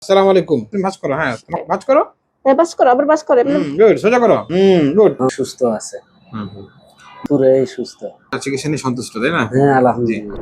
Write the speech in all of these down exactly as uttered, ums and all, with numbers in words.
আসসালামু আলাইকুম। তুমি ভাঁজ করো, হ্যাঁ, তোমাকে ভাঁজ করো। হ্যাঁ, বাস করো, আবার বাস করো। এমনি হুম, গুড। সোজা করো। হুম, গুড। সুস্থ আছে, হুম, হুম। পুরাই সুস্থ। চিকিৎসা নিয়ে সন্তুষ্ট, তাই না? হ্যাঁ, জি। আলহামদুলিল্লাহ।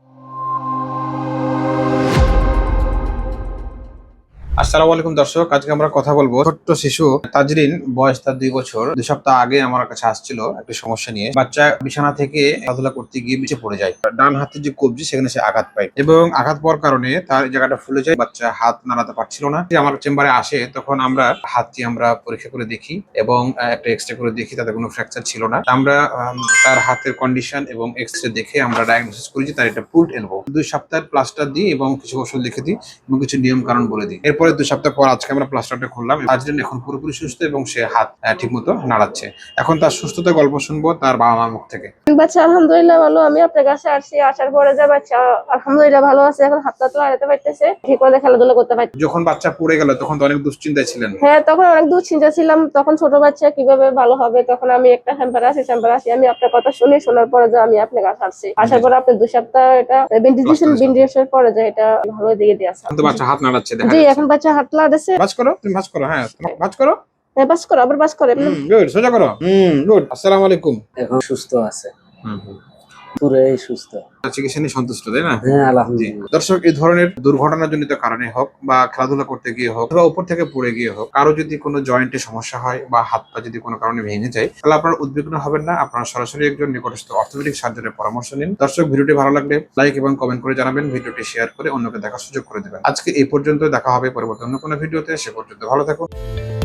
আসসালামু আলাইকুম দর্শক, আজকে আমরা কথা বলবো ছোট্ট শিশু তাজরিন, বয়স তার দুই বছর। দুই সপ্তাহ আগে আমার কাছে আসছিল একটা সমস্যা নিয়ে। বাচ্চা বিছানা থেকে খেলাধুলা করতে গিয়ে নিচে পড়ে যায়। ডান হাতের যে কবজি সেখানে সে আঘাত পায় এবং আঘাত পাওয়ার কারণে তার এই জায়গাটা ফুলে যায়। বাচ্চা হাত নাড়াতে পারছিল না। যে আমার চেম্বারে আসে তখন আমরা হাতটি আমরা পরীক্ষা করে দেখি এবং আহ, একটা এক্সরে করে দেখি, তাতে কোনো ফ্র্যাকচার ছিল না। আমরা আম, তার হাতের কন্ডিশন এবং এক্সরে দেখে আমরা ডায়াগনোসিস করি যে তার এটা পুলড এলবো। দুই সপ্তাহের প্লাস্টার দিই এবং কিছু ওষুধ লিখে দিই এবং কিছু নিয়ম কানুন বলে দিই। এরপরে দুই সপ্তাহ পর আজকে আমরা প্লাস্টারটা খুললাম। তাজরিন এখন পুরোপুরি সুস্থ এবং সে হাত ঠিক মতো নাড়াচ্ছে। এখন তার সুস্থতার গল্প শুনবো তার বাবা মার মুখ থেকে। বাচ্চা আলহামদুলিল্লাহ ভালো। আমি আপনার কাছে আসছি, আসার পরে যে বাচ্চা আলহামদুলিল্লাহ ভালো আছে। এখন হাত টাত লাগাতে পারতেছে, ঠিক মতো খেলাধুলা করতে পারছে। যখন বাচ্চা পড়ে গেল তখন তো অনেক দুশ্চিন্তায় ছিলেন। হ্যাঁ, তখন অনেক দুশ্চিন্তা ছিলাম। তখন ছোট বাচ্চা কিভাবে ভালো হবে, তখন আমি একটা চেম্বারে আসি চেম্বারে আসি আমি আপনার কথা শুনি, শোনার পরে যে আমি আপনার কাছে আসছি। আসার পরে আপনি দুই সপ্তাহ এটা বেন্টিজেশন বেন্টিজেশন পরে যে এটা ভালো দিকে দিয়ে আসা। এখন তো বাচ্চা হাত নাড়াচ্ছে, দেখা জি, যাচ্ছে। এখন বাচ্চা হাত লাগাতেছে। ভাঁজ করো, তুমি ভাঁজ করো, হ্যাঁ, তোমাকে ভাঁজ করো। হ্যাঁ, বাস করো, আবার বাস করো। এমনি হুম, গুড। সোজা করো। হুম, গুড। আসসালামু আলাইকুম। এখন সুস্থ আছে, হুম, হুম। পুরাই সুস্থ। চিকিৎসা নিয়ে সন্তুষ্ট, তাই না? হ্যাঁ, জি। আলহামদুলিল্লাহ। দর্শক, এই ধরনের দুর্ঘটনাজনিত কারণে হোক বা খেলাধুলা করতে গিয়ে হোক বা উপর থেকে পড়ে গিয়ে হোক, কারো যদি কোনো জয়েন্টে সমস্যা হয় বা হাত পা যদি কোনো কারণে ভেঙে যায়, তাহলে আপনারা উদ্বিগ্ন হবেন না। আপনারা সরাসরি একজন নিকটস্থ অর্থোপেডিক সার্জনের পরামর্শ নিন। দর্শক, ভিডিওটি ভালো লাগলে লাইক এবং কমেন্ট করে জানাবেন, ভিডিওটি শেয়ার করে অন্যকে দেখার সুযোগ করে দেবেন। আজকে এই পর্যন্ত, দেখা হবে পরবর্তী অন্য কোনো ভিডিওতে। সে পর্যন্ত ভালো থাকুন।